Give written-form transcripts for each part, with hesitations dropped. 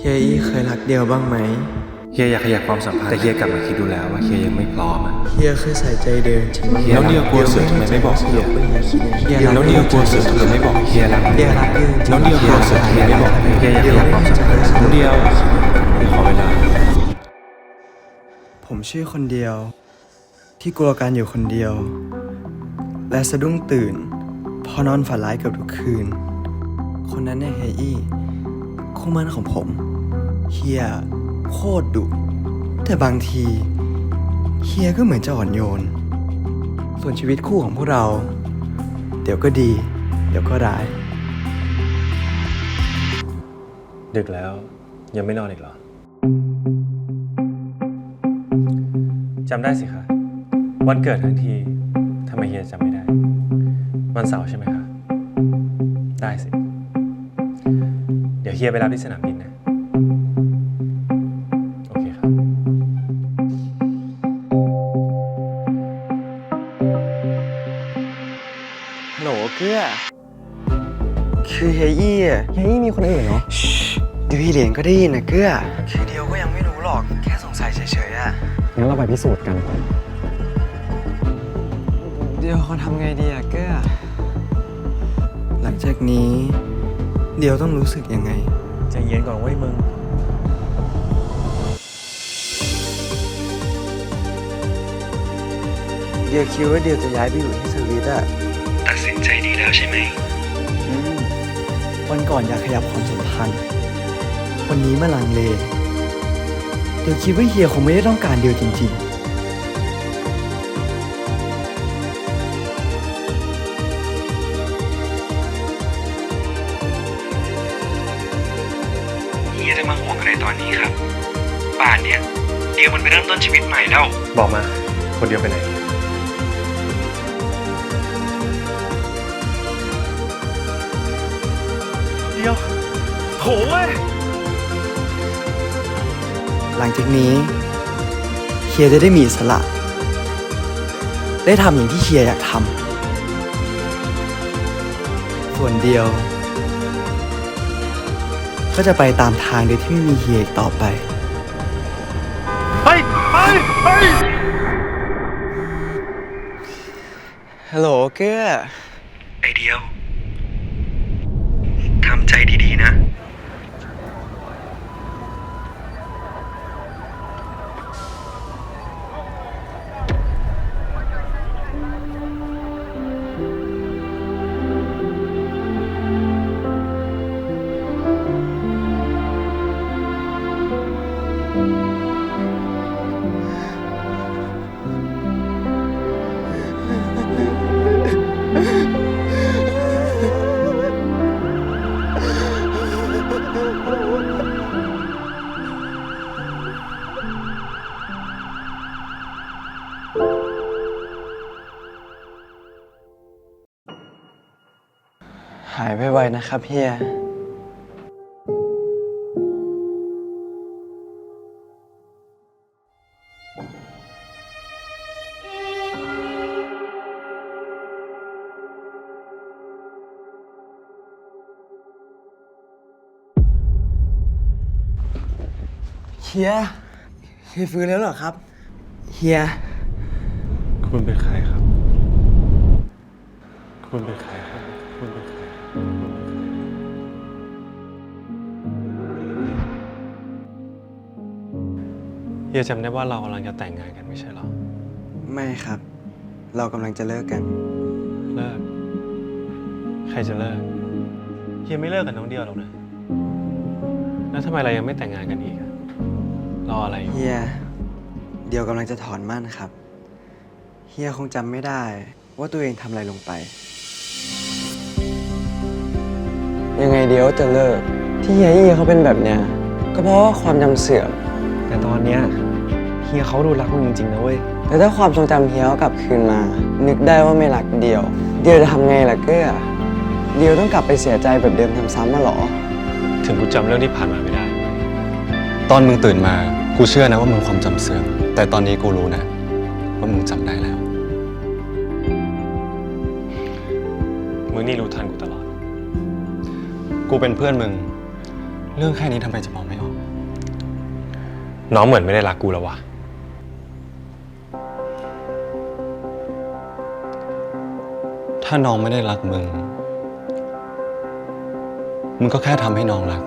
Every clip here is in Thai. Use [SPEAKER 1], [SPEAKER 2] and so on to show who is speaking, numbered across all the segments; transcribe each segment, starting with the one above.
[SPEAKER 1] ฮียอี้เคยรักเดียวบ้างไหม
[SPEAKER 2] เฮียอยากขยับความสัมพันธ์แต่เฮียกลับมาคิดดูแล้วว่าเฮียยังไม่พร้อมอ่ะ
[SPEAKER 1] เฮียเคยใส่ใจเดินจริง
[SPEAKER 2] แล้วเดียวกลัวเสือทำไมไม่บอกเฮียแล้วเดียวกลัวเสือทำไมไม่บอกเฮียรัก
[SPEAKER 1] เดียวรักเดิน
[SPEAKER 2] แล้วเดียวกลัวเสือทำไมไม่บอกเฮียอยากขยับความสัมพันธ์แล้วเดียวขอเวลา
[SPEAKER 1] ผมชื่อคนเดียวที่กลัวการอยู่คนเดียวและสะดุ้งตื่นพอนอนฝันร้ายเกือบทุกคืนคนนั้นเนี่ยเฮียอี้คู่มั่นของผมเฮียโคตรดุแต่บางทีเฮียก็เหมือนจะอ่อนโยนส่วนชีวิตคู่ของพวกเราเดี๋ยวก็ดีเดี๋ยวก็ร้าย
[SPEAKER 2] ดึกแล้วยังไม่นอนอีกเหรอจำได้สิคะวันเกิดทั้งทีทำไมเฮียจำไม่ได้วันเสาร์ใช่ไหมคะได้สิเดี๋ยวเฮียไปรับที่สนามบินนะโอเคครับ
[SPEAKER 1] ฮัลโหลเกื้อคือเฮียอี้มีคนอื่นเหรอเดี๋ยวพี่เหรียญก็ได้ยินนะเกื้อคือเดียวก็ยังไม่รู้หรอกแค่สงสัยเฉยๆอะ
[SPEAKER 3] งั้นเราไปพิสูจน์กัน
[SPEAKER 1] เดี๋ยวเขาทำไงดีอะเกื้อหลังจากนี้เดี๋ยวต้องรู้สึกยังไง
[SPEAKER 2] ใจเย็นก่อนเว้ยมึง
[SPEAKER 1] เดี๋ยวคิดว่าเดี๋ยวจะย้ายไปอยู่ที่สวิตอะตัดสินใจดีแล้วใช่ไหมวันก่อนอยากขยับความสัมพันธ์วันนี้มาลังเลเดี๋ยวคิดว่าเฮียคงไม่ได้ต้องการเดียวจริงๆเฮียจะมาห่วงอะไรตอนนี้ครับป่านเนี้ยเดียวมันไปเริ่มต้นชีวิตใหม่แล้ว
[SPEAKER 2] บอกมาคนเดียวไปไหนเดียวโถเว้ย
[SPEAKER 1] หลังจากนี้เฮียจะได้มีอิสระได้ทำอย่างที่เฮียอยากทำส่วนเดียวก็จะไปตามทางโดยที่ไม่มีเฮียอีกต่อไป
[SPEAKER 2] ไป
[SPEAKER 1] ฮัลโหลเกื้อไอเดียวทำใจดีๆนะหายไวๆนะครับเฮียเฮียฟื้นแล้วเหรอครับเฮีย
[SPEAKER 2] คุณเป็นใครครับคุณเป็นใครครับคุณเป็นใครเฮียจำได้ว่าเรากำลังจะแต่งงานกันไม่ใช่หรอ
[SPEAKER 1] ไม่ครับเรากำลังจะเลิกกัน
[SPEAKER 2] เลิกใครจะเลิกเฮียไม่เลิกกับน้องเดียวหรอกนะแล้วทำไมเรายังไม่แต่งงานกันอีกรออะไรอยู่
[SPEAKER 1] เฮียเดี๋ยวกำลังจะถอนมั่นครับเฮียคงจำไม่ได้ว่าตัวเองทำอะไรลงไปยังไงเดี๋ยวจะเลิกที่เฮียเขาเป็นแบบเนี้ยก็เพราะว่าความจำเสื่อมแต่ตอนเนี้ยเฮียเขาดูรักมึงจริงๆนะเว้ยแต่ถ้าความทรงจำเฮียกลับคืนมานึกได้ว่าไม่รักเดียวจะทำไงล่ะเก้อเดียวต้องกลับไปเสียใจแบบเดิมทำซ้ำมาหรอ
[SPEAKER 2] ถึงกูจำเรื่องที่ผ่านมาไม่ได้
[SPEAKER 4] ตอนมึงตื่นมากูเชื่อนะว่ามึงความจำเสื่อมแต่ตอนนี้กูรู้นะว่ามึงจำได้แล้ว
[SPEAKER 2] มึงนี่รู้ทันกูตลอด
[SPEAKER 4] กูเป็นเพื่อนมึงเรื่องแค่นี้ทำไมจะมองไม่ออก
[SPEAKER 2] น้องเหมือนไม่ได้รักกูแล้ววะ
[SPEAKER 4] ถ้าน้องไม่ได้รักมึง มึงก็แค่ทำให้น้องรัก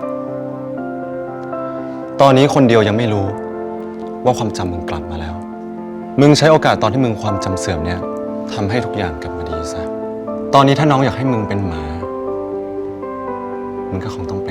[SPEAKER 4] ตอนนี้คนเดียวยังไม่รู้ว่าความจำมึงกลับมาแล้ว มึงใช้โอกาสตอนที่มึงความจำเสื่อมเนี่ยทำให้ทุกอย่างกลับมาดีซะ ตอนนี้ถ้าน้องอยากให้มึงเป็นหมา มึงก็คงต้องเป็น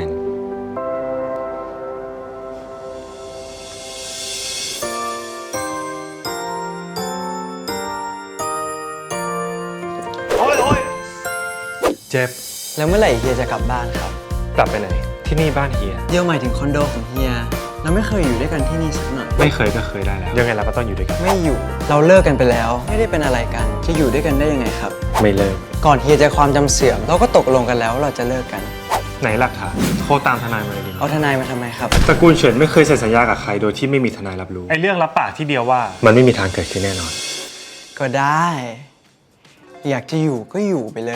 [SPEAKER 2] เจ็บ
[SPEAKER 1] แล้วเมื่อไหร่เฮียจะกลับบ้านครับ
[SPEAKER 2] กลับไปไหน ที่นี่บ้านเฮีย
[SPEAKER 1] เดี๋ยวหมายถึงคอนโดของเฮีย เราไม่เคยอยู่ด้วยกันที่นี่สักหน่อย
[SPEAKER 2] ไม่เคยก็เคยได้แล้ว ยังไงเราก็ต้องอยู่ด้วยกัน
[SPEAKER 1] ไม่อยู่ เราเลิกกันไปแล้ว ไม่ได้เป็นอะไรกัน จะอยู่ด้วยกันได้ยังไงครับ
[SPEAKER 2] ไม่เลิก
[SPEAKER 1] ก่อนเฮียจะความจำเสื่อม เราก็ตกลงกันแล้วว่าเราจะเลิกกัน
[SPEAKER 2] ไหนหลักฐานโทรตามทนายมาเลยดีไหม
[SPEAKER 1] เอาทนายมาทำไมครับ
[SPEAKER 2] ตระกูลเฉินไม่เคยเซ็นสัญญากับใครโดยที่ไม่มีทนายรับรู้ ไอ้เรื่องรับปากที่เดียวว่า มันไม่มีทางเกิดขึ้นแน่นอน
[SPEAKER 1] ก็ได้ อยากจะอยู่ก็อยู่ไปเลย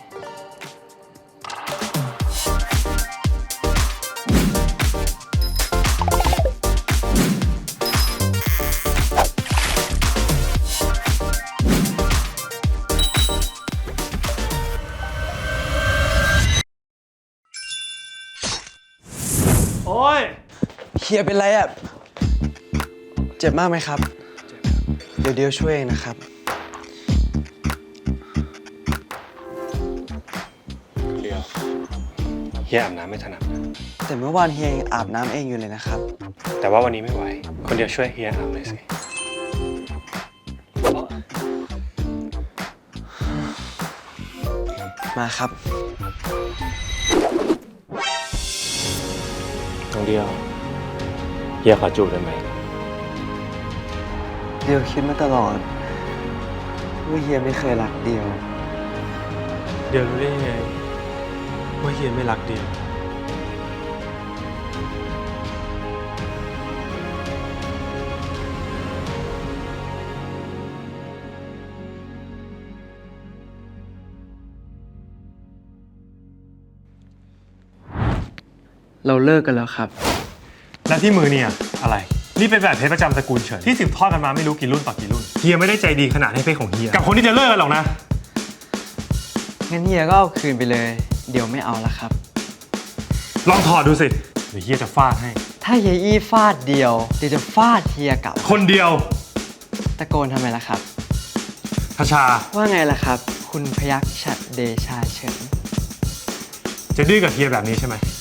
[SPEAKER 2] โอ้ย
[SPEAKER 1] เฮียเป็นไรอ่ะ เจ็บมากไหมครับ เดี๋ยวช่วยเองนะครับ
[SPEAKER 2] เดียวเฮียอาบน้ำไม่ถนัดนะ
[SPEAKER 1] แต่เมื่อวานเฮียยังอาบน้ำเองอยู่เลยนะครับ
[SPEAKER 2] แต่ว่าวันนี้ไม่ไหว คนเดียวช่วยเฮียอาบเลยสิ
[SPEAKER 1] มาครับ
[SPEAKER 2] น้องเดียวเฮียขอจูบได้ไหม
[SPEAKER 1] เดียวคิดมาตลอดว่าเฮียไม่เคยรักเดียว
[SPEAKER 2] เดียวรู้ได้ยังไงว่าเฮียไม่รักเดียว
[SPEAKER 1] เราเลิกกันแล้วครับ
[SPEAKER 2] และที่มือเนี่ยอะไร นี่เป็นแบบเพชรประจำตระกูลเฉินที่สืบทอดกันมาไม่รู้กี่รุ่นต่อกี่รุ่น เฮียไม่ได้ใจดีขนาดให้เพชรของเฮียกับคนที่จะเลิกกันหรอกนะ
[SPEAKER 1] งั้นเฮียก็เอาคืนไปเลย เดี๋ยวไม่เอาละครับ
[SPEAKER 2] ลองถอดดูสิเดี๋ยวเฮียจะฟาดให้
[SPEAKER 1] ถ้าเฮียอี้ฟาดเดียว เดี๋ยวจะฟาดเฮียกลับ
[SPEAKER 2] คนเดียว
[SPEAKER 1] ตะโกนทำไมล่ะครับ
[SPEAKER 2] ทชา
[SPEAKER 1] ว่าไงล่ะครับ คุณพยัคฆ์ฉัตรเดชาเฉิน
[SPEAKER 2] จะดื้อกับเฮียแบบนี้ใช่ไหม